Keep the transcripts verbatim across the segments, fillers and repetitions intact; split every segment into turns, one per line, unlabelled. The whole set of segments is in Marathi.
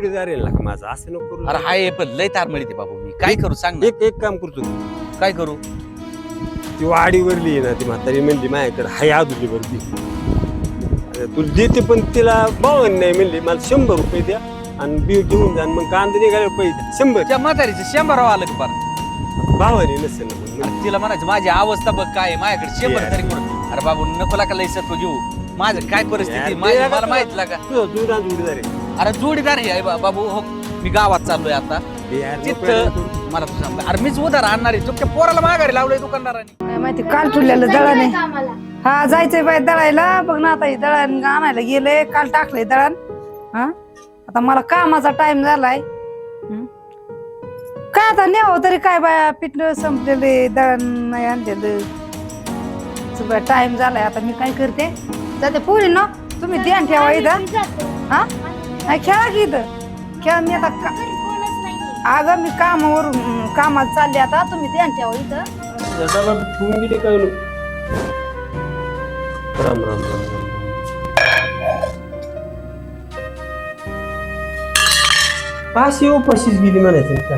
जोडीदार आहे ना माझा, असं नको करू.
अरे हाय पण लय तार मिळते बाबू, मी काय करू सांग ना.
एक एक काम करतो,
काय करू?
ती वाडीवरली आहे ना ती म्हातारी म्हणली माझ्याकडे हाय आदुली वरती तू देते, पण तिला बावन्न नाही म्हणली, मला शंभर रुपये द्या आणि बी घेऊन जा, मग कांदा निघाले पैसे द्या शंभर.
त्या म्हातारीचं शंभर आलं का बरं?
बावन्न नसेल ना मग.
अरे तिला म्हणायचं माझी अवस्था बघ काय आहे, माझ्याकडे शंभर तरी कोण. अरे बाबू नको लागा लय सत्व घेऊ, माझं काय परिस्थिती माझी मला माहित लागा.
जुडा जोडीदार आहे.
अरे जोडीदार आहे बा- बाबू हो. मी गावात चाललोय आता तिथं, मला तू सांग अरे मीच उधार आणणार आहे, तुमच्या पोराला माघारी लावलंय दुकानदारांनी.
काय माहिती काल ठुरलेलं दळण आहे. हा जायचंय बाई दळायला, बघ ना आता हे दळण आणायला गेले, काल टाकलंय दळण. हा आता मला कामाचा टाइम झालाय. हं? काय आता न्यावं तरी काय बाया, पिठलं संपलेले, दळण नाही आणलेलं, टाइम झालाय. आता मी काय करते, जाते पुरी ना, तुम्ही ध्यान ठेवा इथं. हा नाही खेळा की इथं खेळा. मी आता का- अगं मी कामावरून कामात चालले, आता तुम्ही ध्यान ठेवा इथं.
ठेवून गेले काय राम राम राम राम. पाचशे उपाशीच गेली म्हणायचं काय,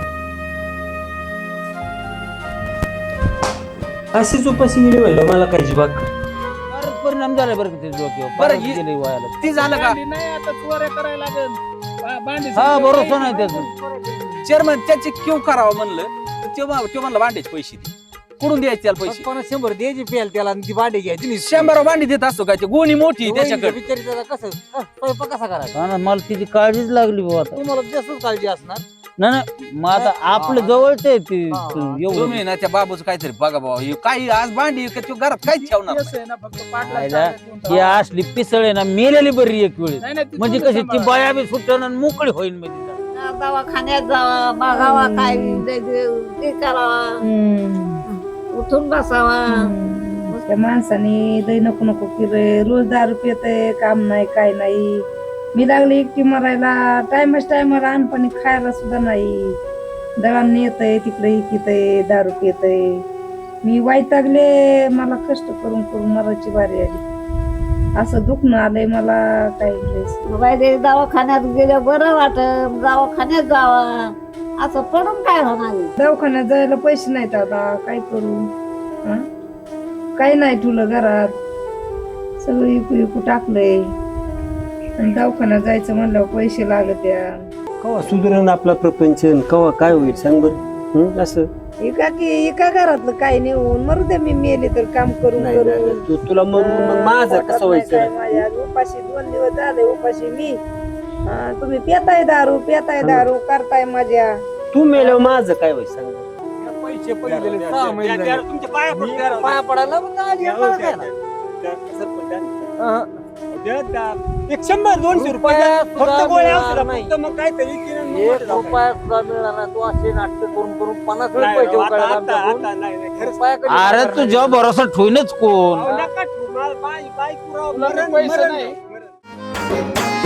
अशीच उपाशी गेली म्हणलं मला काय जीवाक
परिणाम झाला बरं का ते डोक्यावर.
बरं,
परत
ही-
गेले वायाला.
ती झालं का
नाही आता चोऱ्या करायला लागेल.
हा भरोसा नाही त्याचा.
चेअरमन त्याचे क्यू करावं म्हणलं तर तो तो म्हणलं भांड्याचे पैसे दे, कुठून द्यायचे त्याला पैसे?
पन्नास शंभर द्यायची पेल त्याला आणि ती भांडी घ्यायची नाही.
शंभर भांडी देत असतो काय, ते गोणी मोठी आहे त्याच्याकडे.
बिचारी त्याला कसं क- स्वयंपाक कसा करायचा? मला तिची काळजीच लागली बाबा. तुम्हाला जास्तच काळजी असणार. नाही नाही, मग आता आपलं जवळच आहे ती एवढं.
तुम्ही ना त्या बाबूचं काहीतरी बघा बाबा, हे काही आज भांडी का तो घरात काहीच ठेवणार नाही.
केस आहे ना फक्त पाटला
खायला
चालत
ही असली पिसळ आहे ना, मेलेली बरी एक वेळ.
नाही, नाही, ती
म्हणजे
तुला
कशी ती
सांभाळा.
बाया बी सुटण आणि मोकळी होईल म्हणजे.
दवाखान्यात जावा, बघावा काय ते करावा, उठून बसावा.
त्या माणसाने लय नको नको केलंय, रोज दारू पितय, काम नाही काय नाही. मी लागले एकटी मरायला, टायमच टायमाला अनपाणी खायला सुद्धा नाही. दळण येतय तिकडे इकितय, दारू पितय. मी वैतागले, मला कष्ट करून करून मरायची बारी आली. असं दुखणं आलंय मला काय
बाई दवाखान्यात गेल्या बरं वाटत, दवाखान्यात जावा. असं पडून काय होणार?
दवाखान्यात जायला पैसे नाहीत, आता काय करू. हं? काही नाही ठुलं घरात, सगळं इकू इकू टाकलंय. आणि दवाखान्यात जायचं म्हणल्यावर पैसे लागत या.
कवा सुधरण आपला प्रपंच, कवा काय होईल सांग बरं. असं
एका की एका घरातलं काही नेऊन मरू दे, मी मेले तर काम करून
नाही, नाही,
करून.
नाही. तू तुला मरून मग माझं कसं व्हायचं.
माझ्या उपाशी दोन दिवस झाले, उपाशी मी. हा, तुम्ही पेताय दारू, पेताय दारू करताय माझ्या.
तू मेल्यावर माझं काय होईल सांग.
पैसे पडलेले सहा महिने झाले.
तुमच्या पाया पडतो जरा.
पाया पडायला मग आली आम्हाला काय ना.
एक शंभर दोनशे रुपये
रुपया
फक्त
सुद्धा
गोळ्या
मिळणार
औषधं,
नाही.
फक्त मग काहीतरी किरण मग
एक
मोठं जाऊ.
रुपया सुद्धा मिळाला नाही. तू असे नाटक करून करून पन्नास
नाही,
पैसे
आता-
उकळायला
आता-
आमच्याकडून.
आता नाही, नाही, खरंच.
रुपया कधी
अरे
करणार
तुझ्या
नाही.
भरोसा ठेवूनच कोण.
अहो, नका ठेवू. मला बाई- बाई पुरावा.
तुला
मरण-
पैसे
मरण
नाही.
मरण.